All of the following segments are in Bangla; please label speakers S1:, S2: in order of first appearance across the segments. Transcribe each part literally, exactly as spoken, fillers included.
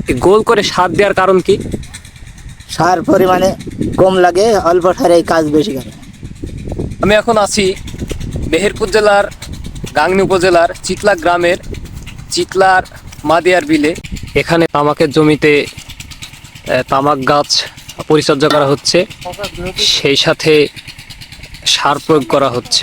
S1: এই গোল করে সার দেওয়ার কারণ কি?
S2: সার পরিমাণে কম লাগে, অল্প সারে এই কাজ বেশি করে।
S1: আমি এখন আছি মেহেরপুর জেলার গাংনী উপজেলার চিতলা গ্রামের চিতলার মাদিয়ার বিলে। এখানে তামাকের জমিতে আহ, তামাক গাছ পরিচর্যা করা হচ্ছে, সেই সাথে সার প্রয়োগ করা হচ্ছে।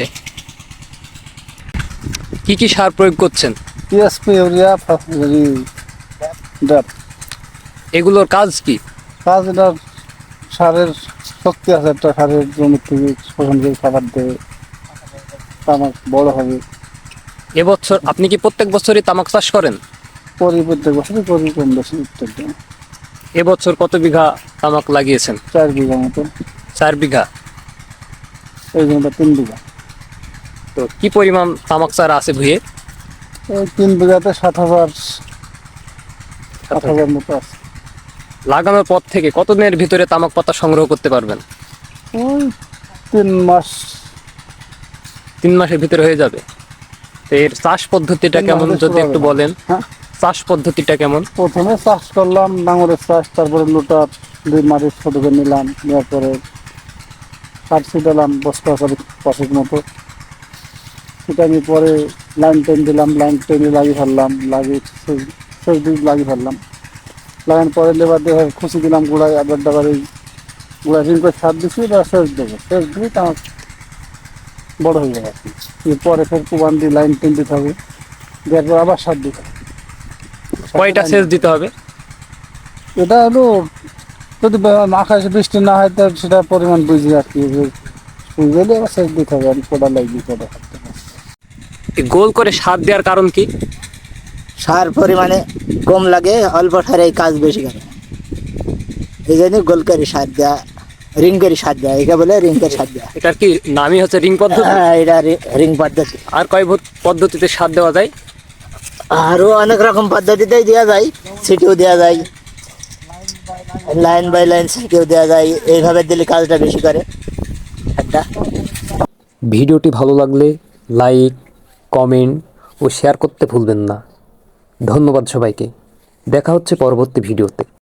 S1: কি কি সার প্রয়োগ করছেন?
S3: TSP, urea, DAP.
S1: এগুলোর কাজ কি?
S3: কাজ এটা সারের শক্তি আছে, একটা সারের জমি থেকে শোষণ করে খাবার দেবে, তামাক বড় হবে।
S1: এবছর আপনি কি প্রত্যেক বছরই তামাক চাষ করেন?
S3: করি প্রত্যেক বছরই করি, কম বেশি প্রত্যেক দিন।
S1: এবছর কত বিঘা তামাক লাগিয়েছেন?
S3: চার বিঘা মতো।
S1: চার বিঘা।
S3: এই জমিটা তিন বিঘা।
S1: তো কি পরিমাণ তামাক চারা আছে ভুঁয়ে?
S3: এই তিন বিঘাতে সাত হাজার সাত হাজার মতো আছে।
S1: লাগানোর পর থেকে কতদিনের ভিতরে তামাক পাতা সংগ্রহ করতে পারবেন?
S3: ওই তিন মাস।
S1: তিন মাসের ভিতরে হয়ে যাবে। তো এর চাষ পদ্ধতিটা
S3: তিন
S1: কেমন
S3: মাসে
S1: যদি
S3: শুরু
S1: একটু
S3: হবে।
S1: বলেন?
S3: হ্যাঁ,
S1: চাষ পদ্ধতিটা কেমন?
S3: প্রথমে চাষ করলাম নাঙলের চাষ, তারপরে লোটার দুই মাটির ছোটকে নিলাম, নেওয়ার পরে সার ছিটালাম বস্তা করে পাশের মতো। সেটা আমি পরে লাইন টেন দিলাম, লাইন টেনে লাগিয়ে ফেললাম, লাগিয়ে শেষ দিক লাগিয়ে ফেললাম। লাগানোর পরে লেবার দিয়ে খুশি দিলাম গোড়ায়, আবার ডাবার এই গোড়ায় রিং করে সার দিচ্ছি, বা শেষ দেবো, শেষ দিলেই তো আমার বড়ো হয়ে যাবে আর কি। এরপরে ফের কুবান দিয়ে লাইন টেন দিতে হবে, দেওয়ার পর আবার সার দিতে হবে।
S1: কয়টা সেচ দিতে হবে?
S3: এটা হলো যদি আকাশে বৃষ্টি না হয়, তাহলে সেটা পরিমাণ বুঝি আর কি, বুঝলে আবার সেচ দিতে হবে। আমি কোটা লাগবে কোটা থাকতে হবে।
S1: এই গোল করে সার দেওয়ার কারণ কি?
S2: সার পরিমাণে কম লাগে, অল্প সারে এই কাজ বেশি করে। এই জন্য গোল করে সার দেওয়া, রিং করে সার দেওয়া, একে বলে রিং করে সার দেওয়া।
S1: এটার কি নামই হচ্ছে রিং পদ্ধতি?
S2: হ্যাঁ, এটা রিং পদ্ধতি।
S1: আর কয় ভূত পদ্ধতিতে সার দেওয়া যায়?
S2: আরও অনেক রকম পদ্ধতিতেই দেওয়া যায়, সিটিও দেওয়া যায়, লাইন বাই লাইন সিটিও দেওয়া যায়। এইভাবে দিলে কাজটা বেশি করে একটা।
S1: ভিডিওটি ভালো লাগলে লাইক, কমেন্ট ও শেয়ার করতে ভুলবেন না। ধন্যবাদ সবাইকে। দেখা হচ্ছে পরবর্তী ভিডিওতে।